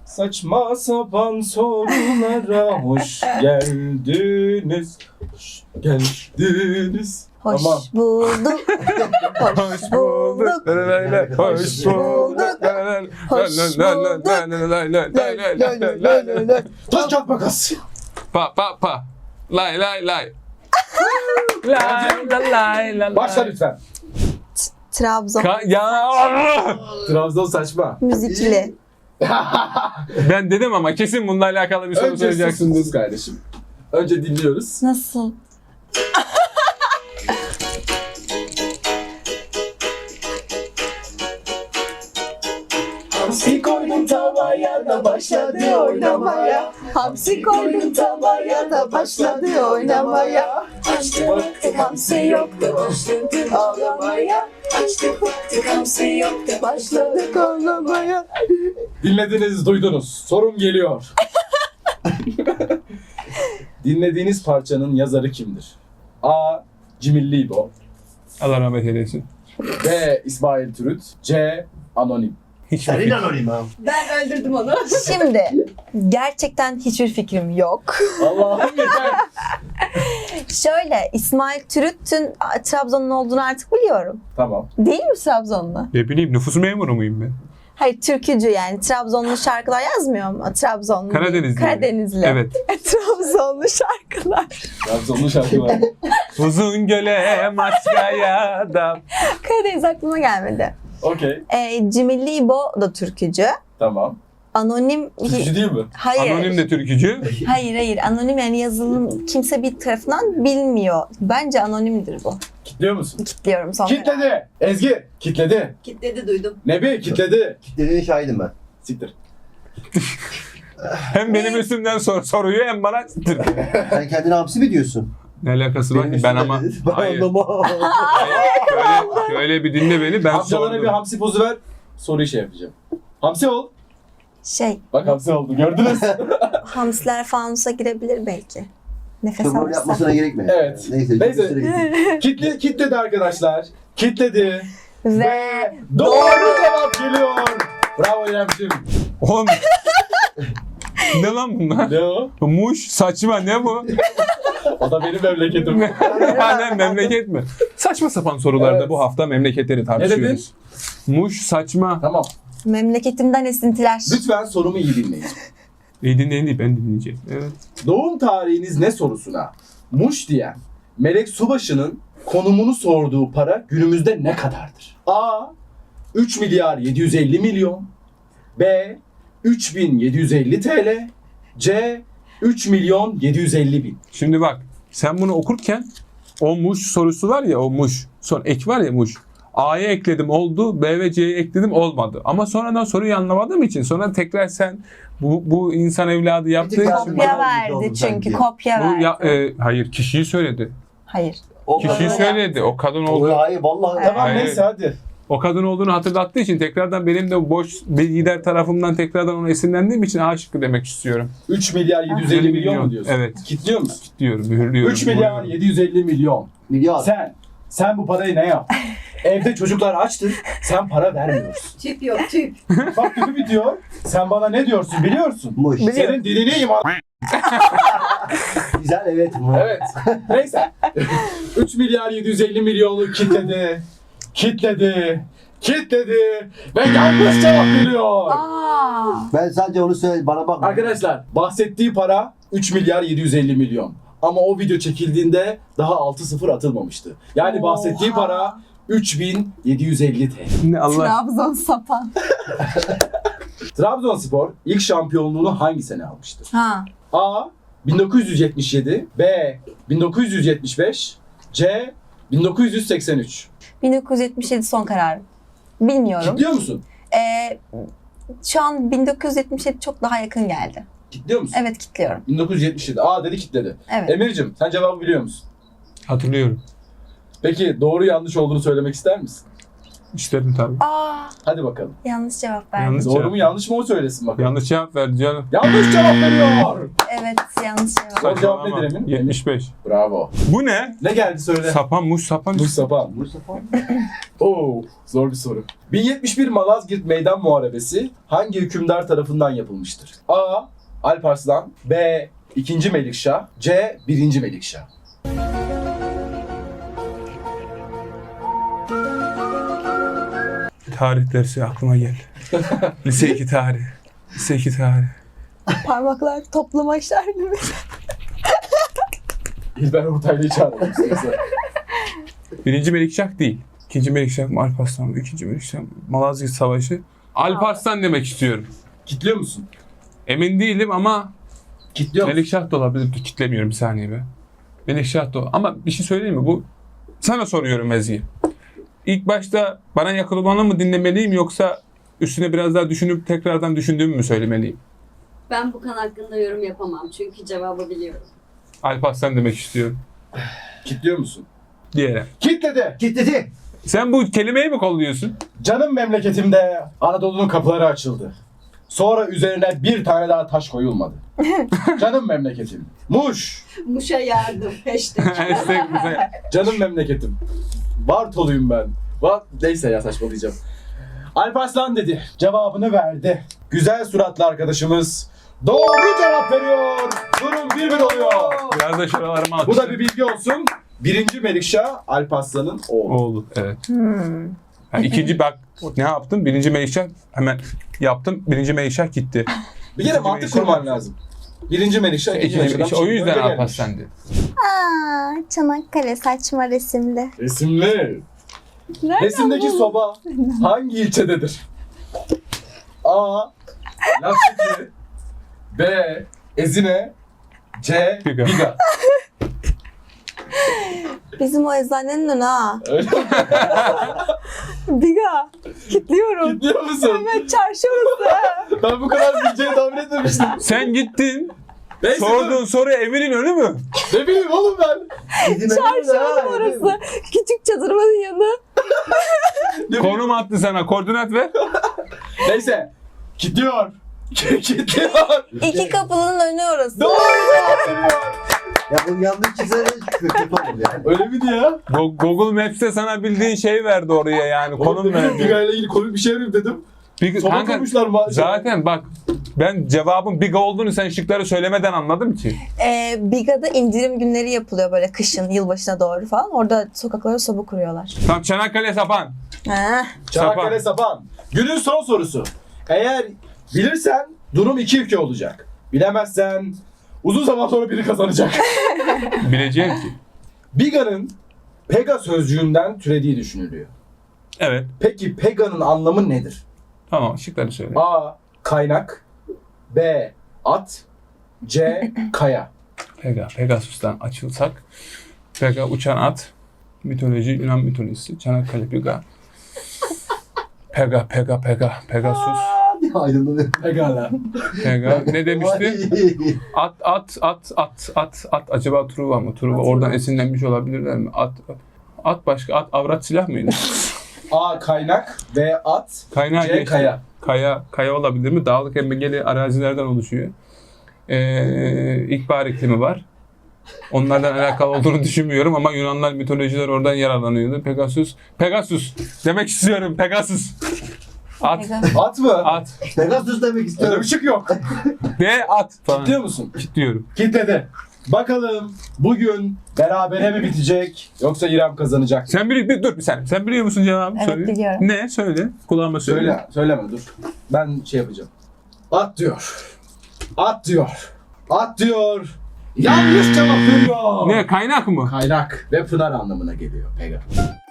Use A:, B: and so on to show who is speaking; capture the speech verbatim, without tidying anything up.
A: Saçma sapan sorulara hoş geldiniz. Hoş geldiniz.
B: Hoş
A: Tamam.
B: bulduk. Hoş bulduk.
A: Hoş
B: bulduk. Hoş bulduk.
A: Taş kağıt makas.
C: Pa pa pa. Lay lay lay. Lay lay lay lay.
A: Başla lütfen.
B: Trabzon
C: Ka- ya
A: Trabzon saçma.
B: müzikli.
C: ben dedim ama kesin bununla alakalı bir soru
A: Önce
C: söyleyeceksin.
A: sus kardeşim. Önce dinliyoruz.
B: Nasıl?
A: Hamsi koydum tavaya da başladı oynamaya.
B: Hamsi koydum tavaya da başladı oynamaya.
D: Açtık baktık hamsi yoktu, başladık ağlamaya. Açtık baktık hamsi yoktu,
B: Başladık ağlamaya.
A: Dinlediniz, duydunuz. Sorum geliyor. Dinlediğiniz parçanın yazarı kimdir? A. Cimilli İbo.
C: Allah rahmet eylesin.
A: B. İsmail Türüt. C. Anonim.
C: Hiç
E: Sen
C: vakit.
E: inanayım ha.
D: Ben öldürdüm onu.
B: Şimdi gerçekten hiçbir fikrim yok.
A: Allah'ım yeter.
B: Şöyle İsmail Türüt'ün Trabzon'un olduğunu artık biliyorum.
A: Tamam.
B: Değil mi Trabzonlu?
C: Ne bileyim nüfus memuru muyum ben?
B: Hayır türkücü yani Trabzonlu şarkılar yazmıyor mu? Trabzonlu.
C: Karadenizli.
B: Karadenizli.
C: Evet.
B: Trabzonlu şarkılar.
A: Trabzonlu şarkı var.
C: Uzun göle maskaya da.
B: Karadeniz aklıma gelmedi.
A: Okey.
B: Ee, Cimilli İbo da türkücü.
A: Tamam.
B: Anonim...
A: Türkücü değil mi?
B: Hayır.
C: Anonim de türkücü.
B: Hayır hayır. Anonim yani yazılım kimse bir tarafından bilmiyor. Bence anonimdir bu.
A: Kitliyor musun?
B: Kitliyorum son karar.
A: Kitledi. Ezgi. Kitledi.
D: Kitledi duydum.
A: Nebi. Kitledi.
E: Kitlediğine şahidim ben.
A: Siktir.
C: Hem benim üstümden sor soruyor hem bana
E: Sen kendine hamsi mi diyorsun?
C: ne alakası var
E: Benim
C: ki ben
E: üstüme
C: ama
E: dedin. Ben
C: hayır.
E: anlamam.
C: Şöyle, şöyle bir dinle beni ben
A: Amcalara bir
C: sordum.
A: hamsi pozu ver. Soruyu şey yapacağım. Hamsi ol.
B: Şey,
A: Bak hamsi oldu. Gördünüz.
B: hamsiler fanusa girebilir belki. Nefes
E: Çok rol
B: alırsa.
E: yapmasına gerek mi?
A: Evet.
E: Neyse.
A: Neyse.
E: Neyse. Neyse.
A: Kitle, kitledi arkadaşlar. Kitledi.
B: Ve
A: Doğru cevap geliyor. Bravo İremciğim.
C: Oğlum. Ne lan bunlar?
A: Ne o?
C: Muş saçma ne bu?
A: O da benim memleketim.
C: Hani memleket mi? Saçma sapan sorularda
A: Evet.
C: bu hafta memleketleri tartışıyoruz. Muş saçma.
A: Tamam.
B: memleketimden esintiler.
A: Lütfen sorumu iyi dinleyin.
C: İyi dinleyin değil ben dinleyeceğim. Evet.
A: Doğum tarihiniz ne sorusuna Muş diyen Melek Subaşı'nın konumunu sorduğu para günümüzde ne kadardır? A. üç milyar yedi yüz elli milyon. B. üç bin yedi yüz elli TL. C. üç milyon yedi yüz elli bin.
C: Şimdi bak sen bunu okurken o muş sorusu var ya o muş. Son ek var ya muş. A'ya ekledim oldu. B ve C'ye ekledim olmadı. Ama sonradan soruyu anlamadığım için sonra tekrar sen bu, bu insan evladı yaptığı
E: tık
C: için
E: daha-
B: Kopya
E: Bana
B: verdi
E: oldu
B: çünkü
E: sanki.
B: kopya
C: bu
B: verdi.
C: ya, e, hayır kişiyi söyledi.
B: Hayır.
E: O
C: Kişiyi
B: Öyle
C: söyledi. O kadın oldu.
E: Hayır vallahi.
A: Tamam
C: Hayır.
A: neyse hadi.
C: O kadın olduğunu hatırlattığı için tekrardan benim de boş bilgiler tarafımdan tekrardan onu esinlendiğim için A şıkkı demek istiyorum.
A: üç milyar yedi yüz elli milyon mu diyorsun?
C: Evet.
A: Kitliyor musun?
C: Diyorum, mühürlüyorum.
A: üç milyar
C: Buyurun.
A: yedi yüz elli milyon.
E: Milyar.
A: Sen, sen bu parayı ne yap? Evde çocuklar açtır, sen para vermiyorsun.
D: Tüp yok tüp.
A: Bak tüpü bitiyor, sen bana ne diyorsun biliyorsun?
E: Muş.
A: Senin dilini iman...
E: Güzel evet. Muş.
A: Evet, neyse. üç milyar yedi yüz elli milyonu kitledi, kitledi, kitledi ve yanlış cevap geliyor.
B: Aa.
E: Ben sadece onu söyle bana bakma.
A: Arkadaşlar, bahsettiği para üç milyar yedi yüz elli milyon. Ama o video çekildiğinde daha altı sıfır atılmamıştı. Yani bahsettiği
B: Oha.
A: para üç bin yedi yüz elli T L.
C: Ne Allah.
B: Trabzon sapan.
A: Trabzonspor ilk şampiyonluğunu hangi sene almıştır?
B: Ha.
A: A. bin dokuz yüz yetmiş yedi. B. bin dokuz yüz yetmiş beş. C. bin dokuz yüz seksen üç.
B: bin dokuz yüz yetmiş yedi son kararım. Bilmiyorum.
A: Kitliyor musun?
B: Ee, şu an bin dokuz yüz yetmiş yedi çok daha yakın geldi.
A: Kitliyor musun?
B: Evet kitliyorum.
A: bin dokuz yüz yetmiş yedi. A dedi kitledi.
B: Evet.
A: Emir'cim sen cevabı biliyor musun?
C: Hatırlıyorum.
A: Peki doğru yanlış olduğunu söylemek ister misin?
C: İsterim tabii.
B: Aa,
A: Hadi bakalım.
B: yanlış cevap verdim.
C: Yanlış
A: Doğru
C: cevap.
A: mu yanlış mı o söylesin bakalım.
C: Yanlış cevap verdi canım.
A: Yanlış cevap veriyor.
B: Evet yanlış cevap.
A: Doğru cevap
C: Saçmalama.
A: nedir Emin?
C: yetmiş beş.
A: Bravo.
C: Bu ne?
A: Ne geldi söyle.
C: Sapan muş sapan.
A: Mustafa.
E: Mustafa.
A: Oo, zor bir soru. bin yetmiş bir Malazgirt Meydan Muharebesi hangi hükümdar tarafından yapılmıştır? A. Alparslan, B. ikinci. Melikşah, C. birinci. Melikşah.
C: Tarih dersi aklıma geldi. Lise iki tarih. Lise iki tarih.
B: Parmaklar toplamaçlar gibi.
A: İlber Ortaylı'yı çağıralım size.
C: Birinci Melikşah değil. İkinci Melikşah mı Alparslan mı? İkinci Melikşah mı? Malazgirt Savaşı. Alparslan demek istiyorum.
A: Kitliyor musun?
C: Emin değilim ama
A: Kitliyor musun?
C: Melikşah da olabilir. Dur, kitlemiyorum bir saniye be. Melikşah da ol- Ama bir şey söyleyeyim mi? Bu sana soruyorum Ezgi. İlk başta bana yakın olanı mı dinlemeliyim yoksa üstüne biraz daha düşünüp tekrardan düşündüğümü mü söylemeliyim?
D: Ben bu konu hakkında yorum yapamam çünkü cevabı biliyorum.
C: Alparslan demek istiyorum.
A: Kitliyor musun?
C: Diğeri.
A: Kitledi.
E: Kitledi.
C: Sen bu kelimeyi mi kolluyorsun?
A: Canım memleketimde Anadolu'nun kapıları açıldı. Sonra üzerine bir tane daha taş koyulmadı. Canım memleketim. Muş.
D: Muş'a yardım. Hashtag.
C: Hashtag bize-
A: Canım memleketim. Bartoluyum ben. Va Neyse ya saçmalayacağım. Alparslan dedi. Cevabını verdi. Güzel suratlı arkadaşımız doğru cevap veriyor. Durum bir bir oluyor.
C: Biraz da şuralarıma at.
A: Bu da bir bilgi olsun. Birinci Melikşah Alparslan'ın oğlu.
C: Oldu evet.
B: Hmm.
C: Yani ikinci bak ne yaptım? Birinci Melikşah hemen yaptım. Birinci Melikşah gitti.
A: Bir kere
C: İkinci
A: mantık
C: Melikşah-
A: kurman lazım. Birinci Melikşah, ikinci
C: İkinci
A: Melikşah.
C: Melikşah. O yüzden
A: Öyle gelmiş.
C: Alparslan dedi.
B: Aa, Çanakkale saçma resimde.
A: Resimli.
B: Nereden
A: Resimdeki
B: buldun?
A: soba hangi ilçededir? A. Lapseki, B. Ezine, C.
C: Biga.
A: Biga.
B: Bizim o eczanenin önü ha.
A: Öyle mi?
B: Biga. Kitliyorum.
A: Gidiyor musun?
B: Evet, çarşı orası.
A: Ben bu kadar bileceğini tahmin etmemiştim.
C: Sen gittin.
A: Neyse
C: Sorduğun soru evinin önü mü?
A: dur. Ne bileyim oğlum ben.
B: Çarşı önü orası. Küçük çadırımın yanı.
A: Ne bileyim.
C: Konum attı sana. Koordinat ver.
A: Neyse. Gidiyor. Gidiyor.
B: İki kapının önü orası.
A: Doğru cevap veriyor.
E: Ya bunu yanlış çizerek kötü olur yani.
A: Öyle miydi ya?
C: Go- Google Maps'te sana bildiğin şey verdi oraya yani. Konum verdi.
A: Biga ile ilgili komik bir şey vereyim dedim.
C: Big,
A: Soba
C: kanka,
A: koymuşlar mı?
C: zaten bak ben cevabın Biga olduğunu sen şıkları söylemeden anladım ki.
B: Ee, Biga'da indirim günleri yapılıyor böyle kışın, yılbaşına doğru falan. Orada sokaklara soba kuruyorlar.
C: Tam Çanakkale Sapan.
B: Ha.
A: Çanakkale Sapan. Günün son sorusu. Eğer bilirsen durum iki iki olacak. Bilemezsen uzun zaman sonra biri kazanacak.
C: Bileceğim ki.
A: Biga'nın Pega sözcüğünden türediği düşünülüyor.
C: Evet.
A: Peki Pega'nın anlamı nedir?
C: Tamam şıkları söyle.
A: A. Kaynak, B. At, C. Kaya.
C: Pega, Pegasus'tan açılsak. Pega uçan at. Mitoloji, Yunan mitolojisi. Çanakkale Pega. Pega, Pega, Pega, Pegasus.
E: Aydınlanıyor.
A: Pegala.
C: Pega. Ne demişti? At, at, at, at, at, at. Acaba Truva mı? Truva oradan esinlenmiş olabilirler mi? At, at. At başka, at avrat silah mıydı?
A: A. Kaynak, B. At,
C: Kaynağı
A: C.
C: geçti.
A: Kaya.
C: Kaya, kaya olabilir mi? Dağlık engebeli arazilerden oluşuyor. Ee, ilkbahar iklimi var. Onlardan alakalı olduğunu düşünmüyorum ama Yunanlar mitolojiler oradan yararlanıyordu. Pegasus, Pegasus demek istiyorum. Pegasus. At,
A: At mı?
C: at.
E: Pegasus demek
A: Öyle
E: istiyorum.
A: bir şık yok.
C: De at falan.
A: Biliyor musun?
C: Diyorum.
A: Kitledi. Bakalım bugün berabere mi bitecek yoksa İrem kazanacak mı?
C: Sen biliyor bir dur bir saniye. Sen biliyor musun cevabı?
B: Evet,
C: Söyle.
B: biliyorum.
C: Ne? Söyle. Kulağıma söyle.
A: Söyle, söyleme dur. Ben şey yapacağım. At diyor. At diyor. At diyor. Yanlış cevap veriyor.
C: Ne? Kaynak mı?
A: Kaynak ve pınar anlamına geliyor Pega.